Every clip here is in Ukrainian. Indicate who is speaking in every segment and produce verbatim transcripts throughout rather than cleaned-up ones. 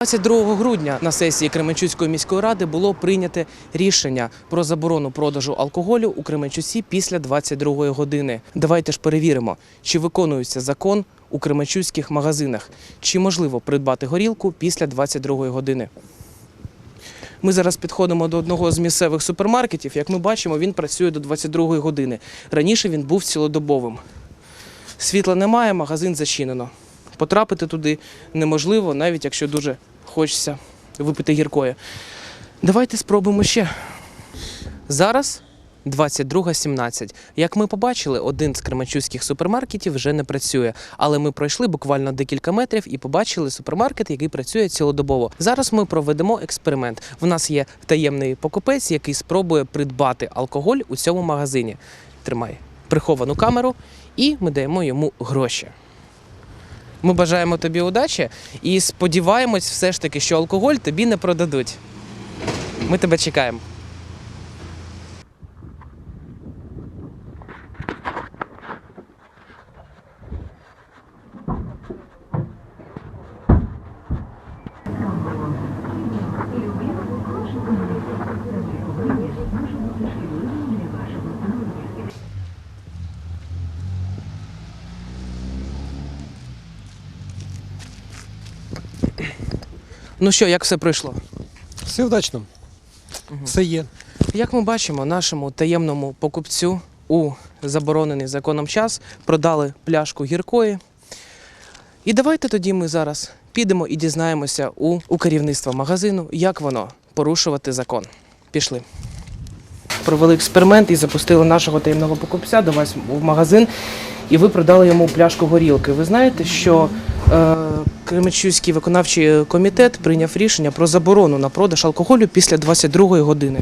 Speaker 1: двадцять другого грудня на сесії Кременчуцької міської ради було прийнято рішення про заборону продажу алкоголю у Кременчуці після двадцять другої години. Давайте ж перевіримо, чи виконується закон у кременчуцьких магазинах, чи можливо придбати горілку після двадцять другої години. Ми зараз підходимо до одного з місцевих супермаркетів. Як ми бачимо, він працює до двадцять другої години. Раніше він був цілодобовим. Світла немає, магазин зачинено. Потрапити туди неможливо, навіть якщо дуже хочеться випити гіркої. Давайте спробуємо ще. Зараз двадцять друга сімнадцять. Як ми побачили, один з кременчуцьких супермаркетів вже не працює. Але ми пройшли буквально декілька метрів і побачили супермаркет, який працює цілодобово. Зараз ми проведемо експеримент. В нас є таємний покупець, який спробує придбати алкоголь у цьому магазині. Тримай приховану камеру і ми даємо йому гроші. Ми бажаємо тобі удачі і сподіваємось все ж таки, що алкоголь тобі не продадуть. Ми тебе чекаємо. Ну що, як все пройшло?
Speaker 2: Все вдачно. Угу. Все є.
Speaker 1: Як ми бачимо, нашому таємному покупцю у заборонений законом час продали пляшку гіркої. І давайте тоді ми зараз підемо і дізнаємося у, у керівництва магазину, як воно порушувати закон. Пішли. Провели експеримент і запустили нашого таємного покупця до вас в магазин, і ви продали йому пляшку горілки. Ви знаєте, що е, Кременчуцький виконавчий комітет прийняв рішення про заборону на продаж алкоголю після двадцять другої години.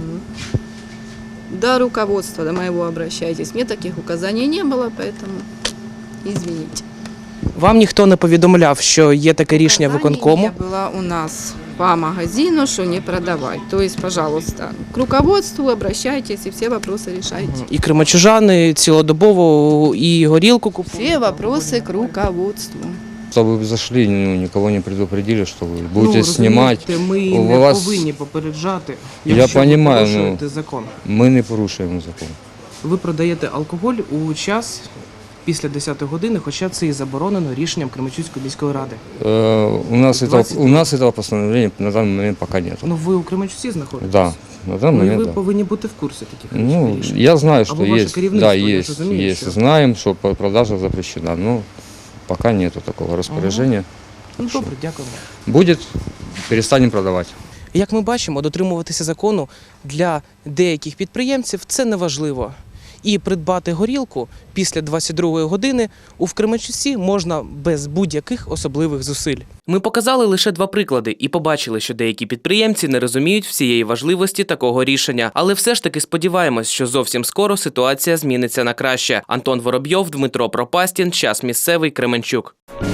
Speaker 3: До руководства, до моего обращайтесь. Мне таких указаний не было, поэтому извините.
Speaker 1: Вам ніхто не повідомляв, що є таке рішення виконкому?
Speaker 3: Указание не было у нас по магазину, что не продавать. То есть, пожалуйста, к руководству обращайтесь и все вопросы решайте.
Speaker 1: І кременчужани цілодобово і горілку купують?
Speaker 3: Все вопросы к руководству.
Speaker 4: Чтобы вы зашли, ну, никого не предупредили, что вы будете
Speaker 1: ну,
Speaker 4: снимать.
Speaker 1: Ми
Speaker 4: У
Speaker 1: не
Speaker 4: вас...
Speaker 1: повинні попереджати,
Speaker 4: Я
Speaker 1: якщо
Speaker 4: понимаю,
Speaker 1: ви порушуєте
Speaker 4: ну,
Speaker 1: закон.
Speaker 4: Ми не порушуємо закон.
Speaker 1: Ви продаєте алкоголь у час після десятої години, хоча це і заборонено рішенням Кременчуцької міської ради.
Speaker 4: Э, у, нас
Speaker 1: двадцять...
Speaker 4: этого, у нас этого постановления на данный момент пока нет.
Speaker 1: Ну ви у Кременчуці знаходитесь?
Speaker 4: Да, на данный
Speaker 1: Ну,
Speaker 4: момент
Speaker 1: ви
Speaker 4: да.
Speaker 1: повинні бути в курсі таких
Speaker 4: Ну,
Speaker 1: рішень.
Speaker 4: я знаю, что
Speaker 1: Або
Speaker 4: есть,
Speaker 1: ваше
Speaker 4: да,
Speaker 1: я
Speaker 4: есть,
Speaker 1: розумію,
Speaker 4: есть.
Speaker 1: що...
Speaker 4: Знаем, что продажа запрещена, но пока нету такого распоряжения.
Speaker 1: Ага. Ну, добре, дякуємо.
Speaker 4: Будет, перестанем продавать.
Speaker 1: Як ми бачимо, дотримуватися закону для деяких підприємців – це неважливо. І придбати горілку після двадцять другої години у Кременчуці можна без будь-яких особливих зусиль. Ми показали лише два приклади і побачили, що деякі підприємці не розуміють всієї важливості такого рішення. Але все ж таки сподіваємось, що зовсім скоро ситуація зміниться на краще. Антон Воробйов, Дмитро Пропастін, Час місцевий, Кременчук.